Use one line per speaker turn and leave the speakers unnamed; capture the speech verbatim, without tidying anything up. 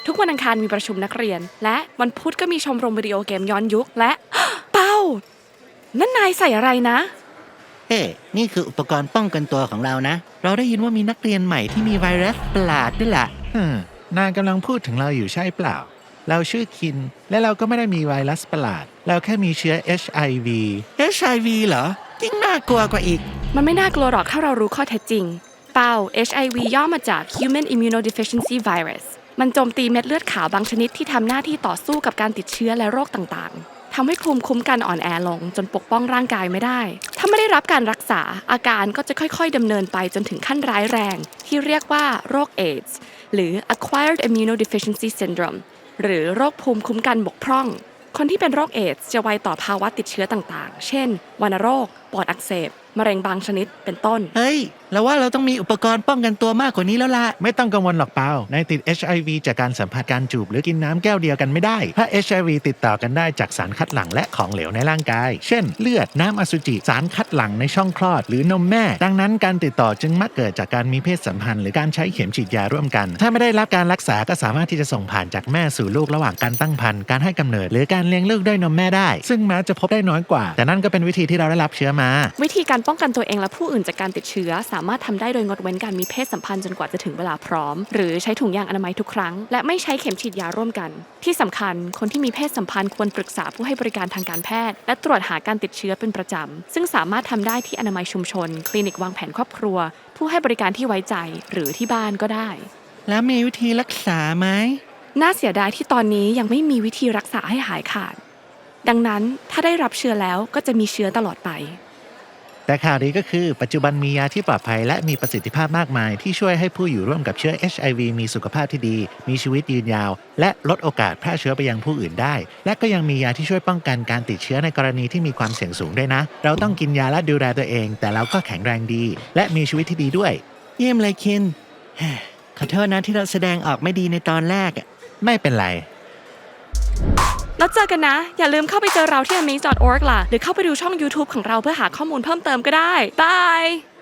ทุกวันอังคารมีประชุมนักเรียนและวันพุธก็มีชมรมวิดีโอเกมย้อนยุคและ เป้านั่นนายใส่อะไรนะ
เฮ้นี่คืออุปกรณ์ป้องกันตัวของเรานะเราได้ยินว่ามีนักเรียนใหม่ที่มีไวรัสประหลาดด้วยล่ะ
ฮึมนายกำลังพูดถึงเราอยู่ใช่เปล่าเราชื่อคินและเราก็ไม่ได้มีไวรัสประหลาดเราแค่มีเชื้อ เอช ไอ วี
เอช ไอ วี เหรอยิ่งน่ากลัวกว่าอีก
มันไม่น่ากลัวหรอกถ้าเรารู้ข้อเท็จจริงเป้า เอช ไอ วี ย่อมาจาก Human Immunodeficiency Virus มันโจมตีเม็ดเลือดขาวบางชนิดที่ทำหน้าที่ต่อสู้กับการติดเชื้อและโรคต่างๆทำให้ภูมิคุ้มกันอ่อนแอลงจนปกป้องร่างกายไม่ได้ถ้าไม่ได้รับการรักษาอาการก็จะค่อยๆดำเนินไปจนถึงขั้นร้ายแรงที่เรียกว่าโรคเอดส์หรือ Acquired Immunodeficiency Syndrome หรือโรคภูมิคุ้มกันบกพร่องคนที่เป็นโรคเอดส์จะไวต่อภาวะติดเชื้อต่างๆเช่นวัณโรคปอดอักเสบมะเร็งบางชนิดเป็นต้น
เฮ้ยเราว่าเราต้องมีอุปกรณ์ป้องกันตัวมากกว่านี้แล้วล่ะ
ไม่ต้องกังวลหรอกเปานายติด เอช ไอ วี จากการสัมผัสการจูบหรือกินน้ำแก้วเดียวกันไม่ได้ถ้า เอช ไอ วี ติดต่อกันได้จากสารคัดหลั่งและของเหลวในร่างกายเช่นเลือดน้ำอสุจิสารคัดหลั่งในช่องคลอดหรือนมแม่ดังนั้นการติดต่อจึงมักเกิดจากการมีเพศสัมพันธ์หรือการใช้เข็มฉีดยาร่วมกันถ้าไม่ได้รับการรักษาก็สามารถที่จะส่งผ่านจากแม่สู่ลูกระหว่างการตั้งครรภ์การให้กำเนิดหรือการเลี้ยงลูกด้วยนมแม่ได้ซึ่งแม้จะพบได้น้อยกว่าแต่นั่นก็เป็นวิธีที่เราได้รับเชื้อมา
วิธีการป้องกันตัวเองและผู้อื่นจากการติดเชื้อสามารถทำได้โดยงดเว้นการมีเพศสัมพันธ์จนกว่าจะถึงเวลาพร้อมหรือใช้ถุงยางอนามัยทุกครั้งและไม่ใช้เข็มฉีดยาร่วมกันที่สำคัญคนที่มีเพศสัมพันธ์ควรปรึกษาผู้ให้บริการทางการแพทย์และตรวจหาการติดเชื้อเป็นประจำซึ่งสามารถทำได้ที่อนามัยชุมชนคลินิกวางแผนครอบครัวผู้ให้บริการที่ไว้ใจหรือที่บ้านก็ได้
แล้วมีวิธีรักษาไหม
น่าเสียดายที่ตอนนี้ยังไม่มีวิธีรักษาให้หายขาดดังนั้นถ้าได้รับเชื้อแล้วก็จะมีเชื้อตลอดไป
แต่ข่าวดีก็คือปัจจุบันมียาที่ปลอดภัยและมีประสิทธิภาพมากมายที่ช่วยให้ผู้อยู่ร่วมกับเชื้อ เอช ไอ วี มีสุขภาพที่ดีมีชีวิตยืนยาวและลดโอกาสแพร่เชื้อไปยังผู้อื่นได้และก็ยังมียาที่ช่วยป้องกันการติดเชื้อในกรณีที่มีความเสี่ยงสูงด้วยนะเราต้องกินยาและดูแลตัวเองแต่เราก็แข็งแรงดีและมีชีวิตที่ดีด้วย
เยี่ยมเลยคินขอโทษนะที่เราแสดงออกไม่ดีในตอนแรก
ไม่เป็นไร
แล้วเจอกันนะอย่าลืมเข้าไปเจอเราที่ amaze ดอท org ล่ะหรือเข้าไปดูช่อง YouTube ของเราเพื่อหาข้อมูลเพิ่มเติมก็ได้บาย